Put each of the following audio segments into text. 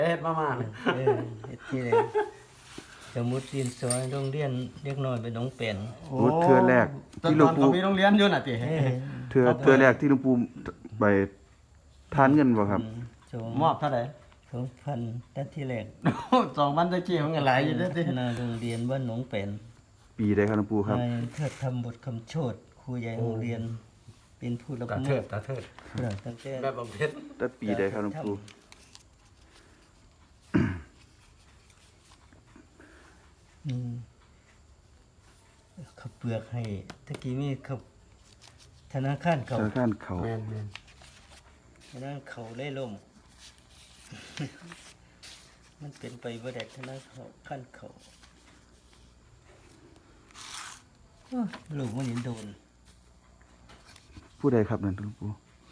เฮ็ดมาเนี่ยเฮ็ดที่แรกสมุดดินสอโรงเรียนเด็กน้อยไปหนองเป็นโอ้เทื่อแรกที่หลวงปู่ตอนเขามีโรงเรียนอยู่น่ะติเทื่อแรกที่หลวงปู่ไปทานเงินบ่ครับมอบเท่าไหร่ 2,000แต่ที่แรก 2,000ตะกี้มันก็หลายอยู่เด้อติหน้าโรงเรียนบ้านหนองเป็นปีใดครับหลวงปู่ครับนายเทิดทำบทคำโชดครูใหญ่โรงเรียน เป็นผู้รับตาเทิดตาเทิดตั้งแต่แบบบำเพ็ญแต่ปีใดครับหลวงปู่อืมเขาเปลือกให้ตะกี้มีเขาธนาคารเขาธนาคารเขาแม่นธนาคารเขาได้ล่ม มันเป็นไปบ่ได้ธนาคารเขาโอ้ยลูกมันเห็นโดนผู้ใดครับนั่นหลวงปู่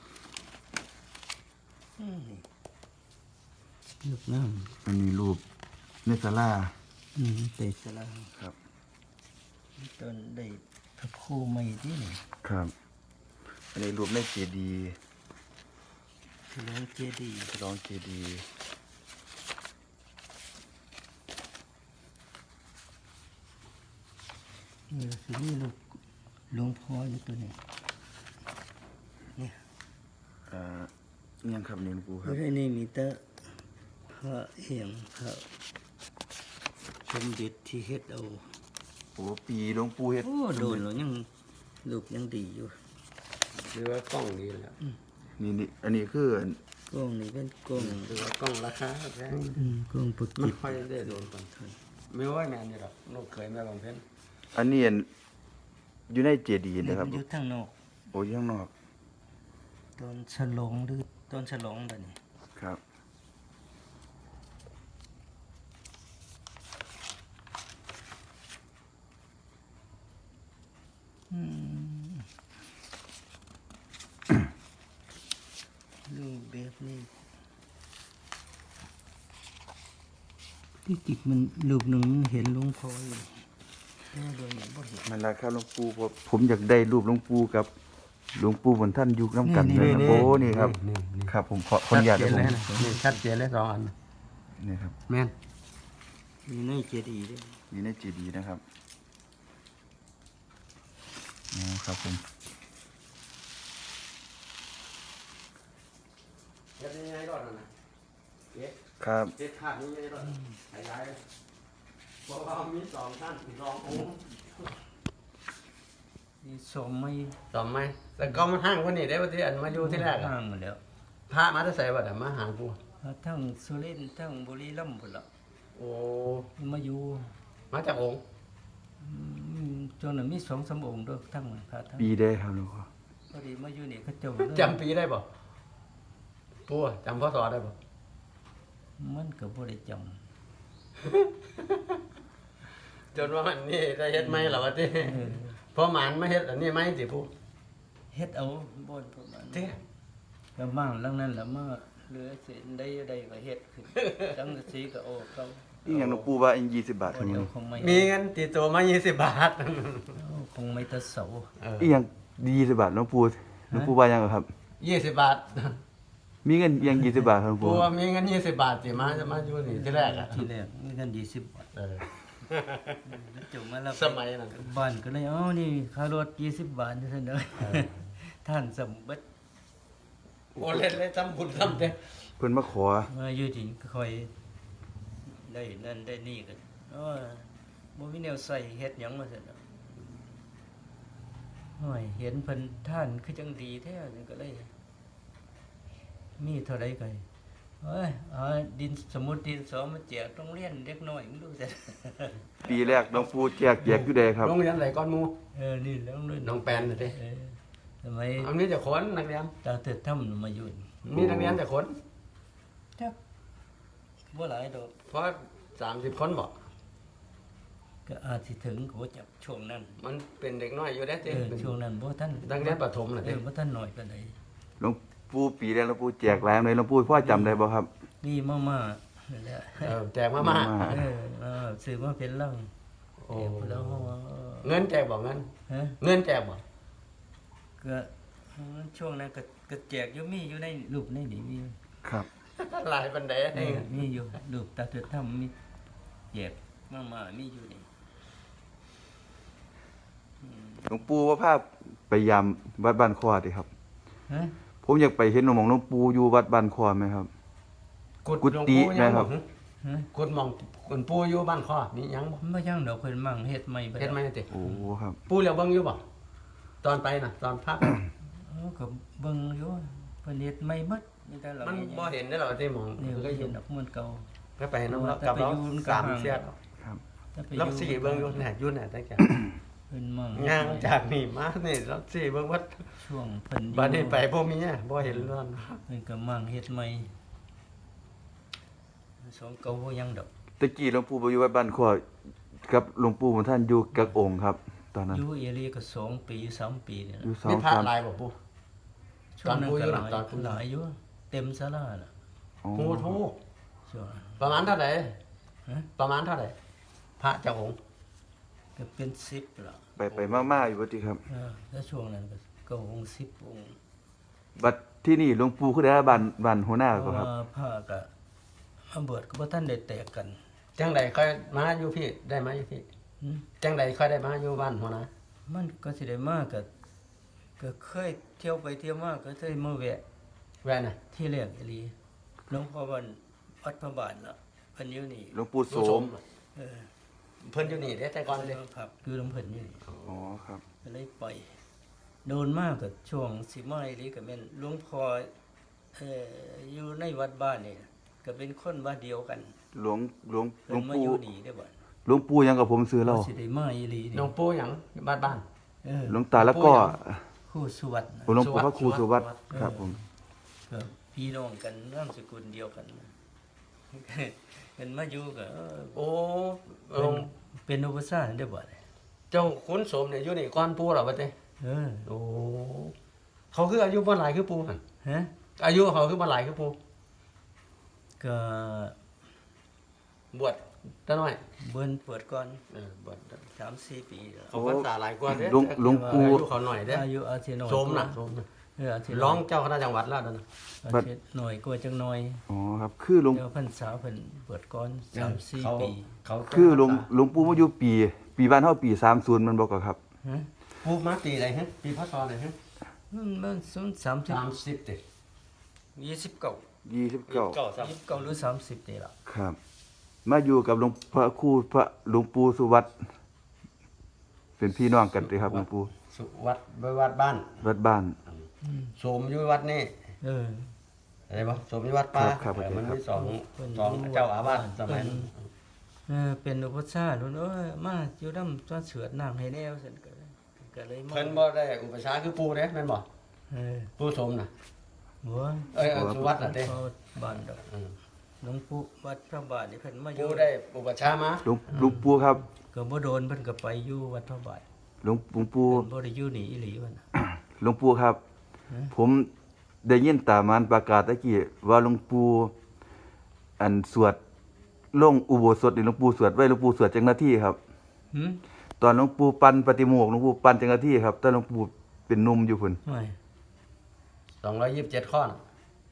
ลูกน้มันมีรูปในศาลาำเตะสลาครับตอนได้พระครูใหม่ที่นี่ครับ อันนี้รูปในเจดีย์ฉลองเจดีย์ฉลองเจดีย์สิมีลูกหลวงพ่ออยู่ตัวนี้เนี่ยอิหยังครับนี่หลวงปู่คเพรับราะในนี้มีแต่พระเหียงพระสมเด็จที่เฮ็ดเอาโอ้ปีหลวงปู่เฮ็ดโอ้โดนแล้วยังลูกยังดีอยู่หรือว่ากล้องดีแล้วนี่อันนี้คือกล้องนี่เป็นกล้องหรือว่ากล้องราคาแพงกล้องปุกมันจิบค่อยได้โดนก่อนไม่ว่าแม่นอยู่ดอกลูกเคยแม่บำเพ็ญอันนี้อยู่ในเจดีย์นี่นะครับมันอยู่ทางนอกโอ้ยข้างนอกตอนฉลองหรือตอนฉลองบัดนี้ครับรูปแบบนี้ที่จริงมันรูปหนึ่งมันเห็นหลวงพ่ออยู่แต่ว่าโดยมันบ่เห็นมันราคาหลวงปู่ผมอยากได้รูปหลวงปู่กับหลวงปู่บนท่านอยู่น้ำกันเลยนะโอ้นี่ครับ ครับผมขออนุญาตชัดเจนะนผมเลยนะนี่ชัดเจนเลยสองอันนี่ครับแม่นมีในเจดีย์ด้วยอยู่ในเจดีย์นะครับอ๋อครับผมเฮ็ดยังไงรอดน่ะเฮ็ดครับเฮ็ดขาดยังไงรอดขยายเพราะว่ามี2ท่าน2องค์มีสมไม่ตอบไหมแต่ก็มันห่างกว่านี้ได้ว่าที่อันมาอยู่ที่แรกอะห่างหมดแล้วพระมาได้ใส่บัดอะมาหากูทั้งสุรินทร์ทั้งบุรีรัมย์พุ่นละโอ้มาอยู่มาจากองค์จนนั้นมี2-3องค์ด้วยทั้งพระทั้งปีได้ครับหลวงพ่อพอดีมาอยู่นี่เขาเจ้าจำปีได้บ่ปูอะจำพศได้บ่มันก็บ่ได้จจนว่ามันนี่ได้เฮ็ดไหมล่ะว่าที่ำเพราะหมันไม่เฮ็ดอันนี้ไหมสิปูเฮ็ดเอาบ่นประมาณที่ก็มั่งหลังนั้นแล้วมาเหลือเศษได้ก็เฮ็ดขึ้นจังสีก็โอ้เขานี่อย่างหลวงปู่ว่าอัน20 บาทบ่ครับเดียวคงไม่มีเงินติดตัวมา20 บาทคงไม่ตะเสาอีกอย่าง20 บาทหลวงปู่ว่ายังครับ 20 บาทมีเงินอีกอย่าง20 บาทครับหลวงปูปู่ว่ามีเงิน20 บาทสิมาจะมาอยู่นี่ที่แรกอะทีแรกมีเงิน20 บาทเออแล้วจบมาแล้วสมัยนั้นบ้านก็เลยนี่ค่ารถ20 บาทซั่นเด้อท่านสมบัติโอ้เล่นเลยทำบุญทำเด้เพิ่นมาขอมาอยู่ที่ก็ค่อยได้นั่นได้นี่กันบ่มีแนวใส่เฮ็ดหยังมาซั่นเนาะโอ้ยเห็นเพิ่นท่านคือจังดีแท้ก็เลย มีเท่าใดก็เอ้ยเอาดินสมุดดินสอมาแจกโรงเรียนเด็กน้อยมึงดูซั่นปีแรกหลวงปู่แจกอยู่ใดครับโรงเรียนไหนก้อนหมูนี่แล้วโรงเรียนน้องแปนน่ะดิทำไมยอันนี้จะคนนักเรียนตาเติดถ้ำมาอยู่นี่มีนักเรียนแต่คนจักบ่หลายดอกเพราะ30 คนบ่ก็อาจสิถึงก็บ่จับช่วงนั้นมันเป็นเด็กน้อยอยู่ได้ติช่วงนั้นบ่ทันนักเรียนประถมน่ะติบ่ทันน้อยปานใดหลวงปู่ปีแรกหลวงปู่แจกหลายเลยหลวงปู่พ่อจำได้บ่ครับนี่มานั่นแหละแจกมาม่าซื้อมาเป็นลังโอ้แล้วเงินแจกบ่เงินฮะเงินแจกบ่ก็ช่วงนั้นก็แจกอยู่มีอยู่ในรูปในนี่มีครับหลายปันไดมีอยู่รูปตาเถือถ้ำมีแยกมามีอยู่นี่หลวงปู่ว่าภาพไปยามวัดบ้านคอดิครับฮะผมอยากไปเห็นหลวงปู่อยู่วัดบ้านคอไหมครับ กุฏินะครับฮะกุดหมองกุดปูอยู่บ้านคอมีหยังบ่ไม่ย่างดอกเพิ่นมั่งเฮ็ดใหม่ไปเฮ็ดไหมติโอ้ครับปูแล้วเบิ่งอยู่บ่ตอนไปน่ะตอนพักก็เบิ่งอยู่เพิ่นเฮ็ดใหม่หมดมีแต่เรามันบ่เห็นได้หรอกที่หมองนี่ก็ก็อเห็ยู่นดอกมันเก่าก็ไปน้ำเรากับเราสามเสียดครับถ้าไปเราสี่เบิ่งอยู่แหน่อยู่แหน่ตั้งแต่เพิ่นมั่งย่างจากนี่มานี่เราสี่เบิ่งวัดช่วงเพิ่นอยู่บัดนี้ไปบ่มีอ่ะบ่เห็นร้อนเพิ่นก็มั่งเฮ็ดใหม่สองเก่าบ่ยังดอกตะกี้หลวงปู่ไปอยู่วัดบ้านคอกับหลวงปู่ของท่านอยู่กับองค์ครับ ตอนนั้นอยู่เอรีก็2ปี3ปีนี่อยู่ล่ะสอมีงพระสามลายบ่ปูช่วงนั้นตอนปู่อยู่ก็น่ะตอนปู่หลายอยู่เต็มศาลาน่ะอ๋อโอ้โหช่วงนั้นประมาณเท่าไหร่ฮะประมาณเท่าไหร่พระเจ้าองค์ก็เป็น10ล่ะไปมาๆอยู่บ่ติครับแล้วช่วงนั้นก็องค์10องค์บัดที่นี่หลวงปู่คือได้บ้านหัวหน้าเพก็ราะครับว่าพระก็มาเบิดก็บ่ทันได้แตกกันจังใดค่อยมาอยู่พี่ได้มาอยู่พี่หึจังใดค่อยได้มาอยู่บ้านหัวนะมันก็สิได้มากก็เคยเที่ยวไปเที่ยวมาก็เคยมาแวะแวน่ะที่แรกอีหลีหลวงพ่อวันวัดพระบาทน่ะเพิ่นอยู่นี่หลวงปู่โสมเออเพิ่นอยู่นี่เด้แต่ก่อนเด้ครับคือหลวงเพิ่นอยู่นี่อ๋อครับก็เลยไปโดนมากก็ช่วงสิมาอีหลีก็แม่นหลวงพ่ออยู่ในวัดบ้านนี่ก็เป็นคนบ้านเดียวกันหลวงเพิ่นมาอยู่นี่ได้อบ่หลวงปู่ยังกับผมซื้อเหล้าสิได้มาอีหลีหลนี่วงปู่หยังบ้านเออหลวงตาแล้วก็ครูสุวัตนะหลวงปู่พระครูสุวัตสุวัตครับผมก็พี่น้องกันนามสกุลเดียวกันเป็นมาอยู่ก็โอ้เป็นอุปสรรคได้บ่เนี่ยเจ้าขุนสมเนี่ยอยู่นี่ก่อนปู่เหรอบัดนี้เออโอ้เขาคืออายุบ่หลายคือปู่หั่นฮะอายุเขาคือบ่หลายคือปู่ก็บวชแต่น้อยเบิ่นเปิดก่อนบวช 3-4 ปีแล้วเขาพรรษาหลายกว่าเด้หลวงปู่อายุเขาหน่อยเด้อายุอาทิตย์น้อยโสมน่ะโสมน่ะอาทิตย์ร้องเจ้าคณะจังหวัดแล้วนั่นน่ะอาทิตย์น้อยกว่าจังน้อยอ๋อครับคือหลวงเดี๋ยวพรรษาเพิ่นเปิดก่อนเขา 3-4 ปีเขาคือหลวงปู่มาอยู่ปีบ้านเฮาปี30มันบ่ก็ครับฮะปู่มาปีไหนฮะปีพศไหนฮะมัน30 30ติ 29 29 29หรือ30นี่ล่ะครับ มาอยู่กับหลวงพระครูพระหลวงปู่สุวัตเป็นพี่น้องกันเลยครับหลวงปู่สุวัดวัดบ้านวัดบ้านโสมอยู่วัดนี่เอออะไรบ่โสมอยู่วัดป่าครับมันมีสองเพิ่นสองเจ้าอาวาสสมัยนั้นเป็นอุปสรรคเพิ่นเอ้ยมาอยู่นำตอนเสือดน้ำให้แนวซั่นก็เลยมาเพิ่นบ่ได้อุปชฌาย์คือปู่เด้แม่นบ่เออปู่โสมน่ะหัวสุวัดน่ะเด้เข้าบ้านดอกอืมหลวงปู่วัดพระบาทนี่เพิ่นมาอยู่ปู่ได้อุปชฌาย์มาหลวงปู่ครับก็บ่โดนเพิ่นก็ไปอยู่วัดพระบาทหลวงปู่เพิ่นบ่ได้อยู่นี่อีหลีว่าน่ะหลวงปู่ครับ ผมได้ยินตามานประกาศตะกี้ว่าหลวงปู่อันสวดลงอุโบสถนี่หลวงปู่สวดไว้หลวงปู่สวดจังหน้าที่ครับหึตอนหลวงปู่ปันปฏิโมกข์หลวงปู่ปันจังหน้าที่ครับตอนหลวงปู่เป็นหนุ่มอยู่พุ่นไม่ 227ข้อน่ะ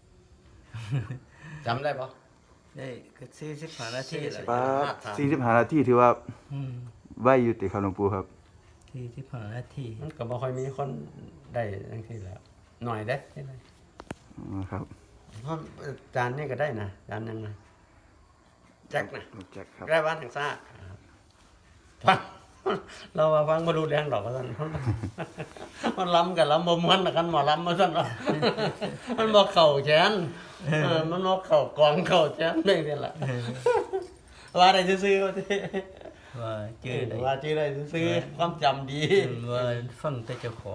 จำได้บ่ได้ก็45นาทีแล้วป้า45นาทีถือว่าอืมไวอยู่ติครับหลวงปู่ครับ 45นาทีมันก็บ่ค่อยมีคนได้จังซี่แล้วหน่อยเด้ที่ไหนอ๋อครับเพราะจานนี่ก็ได้นะจานยังนะแจ็คนะแจ็คครับได้บ้านทางซ่าฟังเราว่าฟังมาดูแรงดอกกันมันล้ำกับล้ำบ่ม้วนกันหมอล้ำมาสั่นว่ามันบอกเข่าแขนมันบอกเข่ากองเข่าแขนไม่เป็นละว่าได้ซื้อๆว่าที่ว่าเจอได้ว่าชื่อได้ซื้อความจำดีว่าฟังแต่เจ้าของ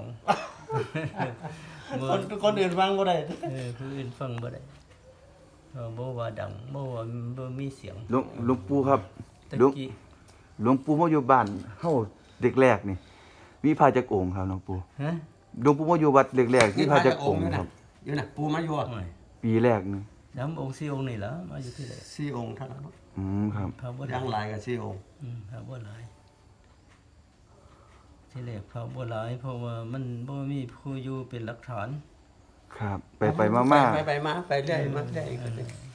คนอื่นฟังบ่ได้ผู้อื่นฟังบ่ได้บ่ว่าดังบ่ว่าบ่มีเสียงหลวงปู่ครับตะหลวงกี้หลวงปู่มาอยู่บ้านเฮาเด็กแรกนี่มีพระจักองค์ครับหลวงปู่ฮะหลวงปู่มาอยู่วัดเด็กแรกมีพระจักองค์ครับอยู่น่ะปูมาอยู่โอ้ยปีแรกนี่น้ำองค์4องค์นี่ล่ะมาอยู่ที่ไหน 4องค์เท่านั้นครับพระบ่ยังหลายกับ4องค์พระบ่หลายที่แรกพระบ่หลายเพราะว่ามันบ่มีผู้อยู่เป็นหลักฐานครับ ไปมาไปมาไปเรื่อยมาเรื่อย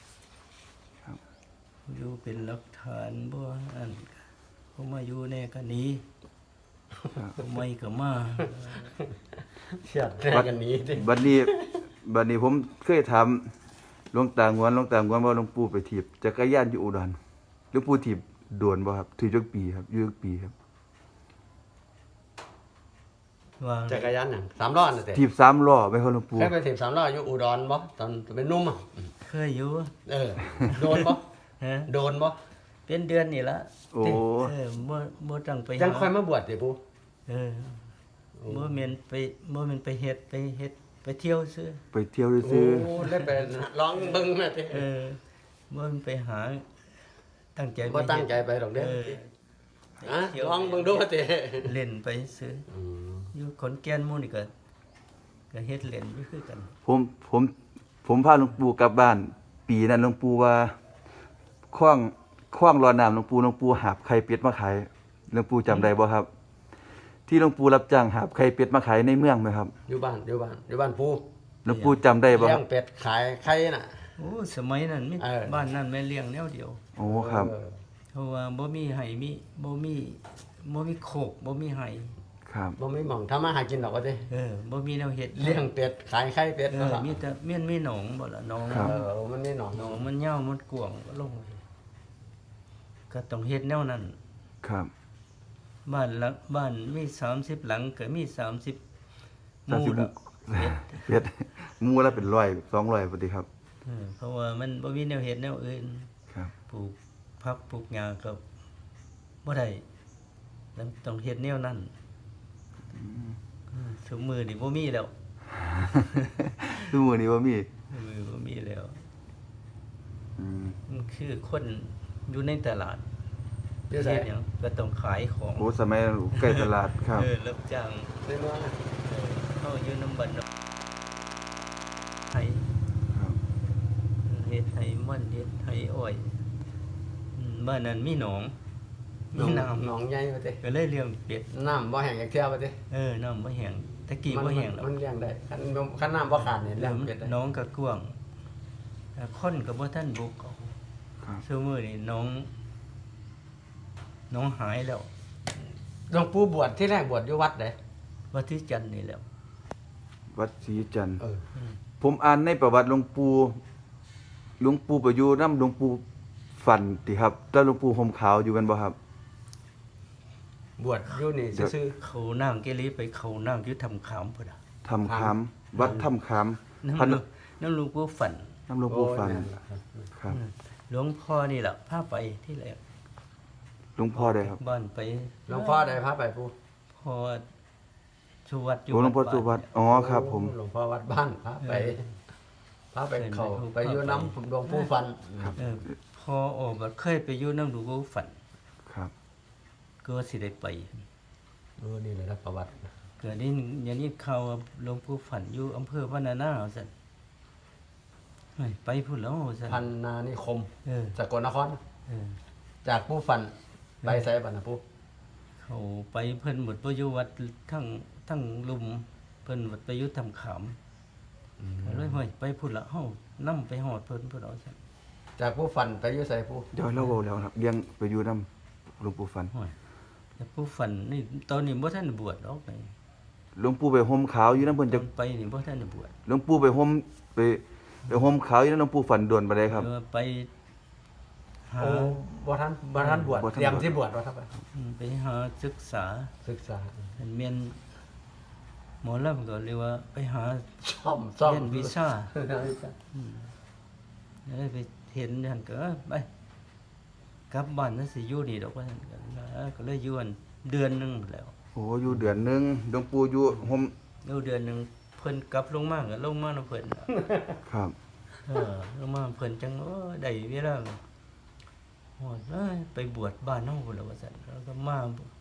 อยู่เป็นหลักฐานบ่อันเขามาอยู่แน่ก็หนี้เขาไม่ก็มาเสียดแท้กันนี้ติบัดนี้ผมเคยถามหลวงตางวนว่าหลวงปู่ไปถีบจักรยานอยู่อุดรหลวงปู่ถีบโดนบ่ครับถีบจักปีครับอยู่จักปีครับว่าจักรยานหยัง3ล้อน่ะติถีบ3ล้อไหมครับหลวงปู่เคยไปถีบ3ล้ออยู่อุดรบ่ตอนเป็นหนุ่มอ่ะเคยอยู่โดนบ่ฮะโดนบ่เป็นเดือนนี่ละโอ้บ่ต้องไปยังหาค่อยมาบวชติปูเออบ่แม่นไปเฮ็ดไปเที่ยวซื่อไปเที่ยวโอ้ซื้อได้ไปลองเบิ่งแม่ติเออบ่แม่นไปหาตั้งใจบ่ตั้งใจไปดอกเด้อลองเบิ่งดูติเล่นไปซื้ออยู่ขอนแก่นหมู่นี่ก็เฮ็ดเล่นอยู่คือกันผมพาหลวงปู่กลับบ้าน ปีนั้นหลวงปู่ว่าคว้างรอน้ำหลวงปู่หาบไข่เป็ดมาขายหลวงปู่จำได้บ่ครับ ที่หลวงปู่รับจ้างหาบไข่เป็ดมาขายในเมืองไหมครับอยู่บ้านปูหลวงปู่จำได้บ่เลี้คยรังบเป็ดขายไข่น่ะโอ้สมัยนั้นมีเออบ้านนั้นแม่เลี้ยงแนวเดียวโอ้ครับเพราะว่าบ่มีไห้บ่มีโคกบ่มีไห้ครับบ่มีหม่องทำมาหากินดอกว่าติบ่มีแนวเฮ็ดเลี้ยงเป็ดขายไข่เป็ดมีแต่มีหนองบ่ล่ะหนองมันมีหนองหนองมันยาวมันกว้างก็ลงไปก็ต้องเฮ็ดแนวนั้นครับบ้านมี30หลังก็มี30หมู่ 30 ละเป็ดหมู่ละเป็น100 200พอดีครับเพราะว่ามันบ่มีแนวเฮ็ดแนวอื่นครับปลูกผักปลูกหญ้าก็บ่ได้ต้องเฮ็ดแนวนั้นทุกมื้อนี่บ่มีแล้วคือมื้อนี้บ่มีมือบ่มีแล้วอืมมันคือคนอยู่ในตลาดอยู่ไสเฮ็ดหยังก็ต้องขายของโอ้สมัยใกล้ตลาดครับรับจ้างในเมืองน่ะเข้าอยู่น้ำบันไห้ครับเฮ็ดไห้มันเฮ็ดไห้อ้อยบ้านนั้นมีหนองมีน้ำหนองใหญ่ว่าติก็เลยเลี้ยงเป็ดน้ำบ่แห้งจักเที่ยว่าติน้ำบ่แห้งตะกี้บ่แห้งแล้วมันเลี้ยงได้คันน้ำบ่ขาดนี่เลี้ยงเป็ดได้น้องก็กว้างคนก็บ่ทันบุกเอาครับซุมื้อนี้น้องหายแล้วหลวงปู่บวชที่แรกบวชอยู่วัดใดวัดที่จันทน์นี่แหล้ววัดศรีจันทร์เออผมอ่านในประวัติหลวงปู่ไปอยู่นำหลวงปู่ฝันติครับแล้วหลวงปู่ห่มขาวอยู่กันบ่ครับบวชอยู่นี่ซื่อเขานั่งเกลีไปเขานั่งอยู่ทำขามพุ่นน่ะทำขามวัดถ้ำขามพันน้ำหลวงปู่ฝันน้ำหลวงๆปู่ฝันโอ้ยแม่ล่ะครับหลวงพ่อนี่แหละพาไปที่แรกหลวงพ่อได้ครับบ้านไปหลวงพ่อได้พาไปปู่พ่อสุวัดอยู่โอ้หลวงพ่อสุวัดอ๋อครับผมหลวงพ่อวัดบ้านพาไปเขาไปอยู่น้ำหลวงปู่ฟันพ่อออกมาเคยไปอยู่น้ำหลวงปู่ฝันครับก็สิได้ไปนี่เลยนะประวัติเกิดนี้อย่างนี้ข่าวว่าหลวงปู่ฝันอยู่อำเภอพะนานาสั่นเฮ้ยไปพุ่นแล้วสั่นพันนานิคมเออสกลนครเออจากปู่ฟันไปไสบัดนะปู่เขาไปเพิ่นหมดไปอยู่วัดทั้งลุมเพิ่นหมดไปอยู่ทำขามก็เลยเฮ้ยไปพุ่นละเฮานํไปฮอดเพิ่นพุ่นเอาซั่นจากปู่ฟันไปอยู่ไสปู่เดี๋ยวเราเว้าแล้วครับเลี้ยงไปอยู่นำหลวงปู่ฝันโอ้ยแต่ผู้ฝันนี่ตอนนี้บ่ทันได้บวชออกไปหลวงปู่ไปห่มขาวอยู่นำเพิ่นตจะอนไปนี่บ่ทันได้บวชหลวงปู่ไปห่มขาวอยู่นำหลวงปู่ฝันโดนบ่ได้ครับเออไปหาโอ้บ่ทันบวชบ่ทันบวชเตรียมที่บวชว่าครับไปหาศึกษาศึกษาเป็นแม่นหมอลำก็เรียกว่าไปหาซ่อมเรียนวิชาแล้วไปเห็นนั่นก็ไปกลับบ้านนั่นสิอยู่นี่ดอกว่าซั่นก็เลยอยู่อันเดือนหนึงแล้วโอ้อยู่เดือนหนึงหลวงปู่อยู่ห่มอยู่เดือนหนึงเพิ่นกลับลงมาก็ลงมาเนาะเพิ่นครับลงมาเพิ่นจังได้เวลาฮอดเอ้ยไปบวชบ้านเฮาพุ่นแล้วว่าซั่นแล้วก็มา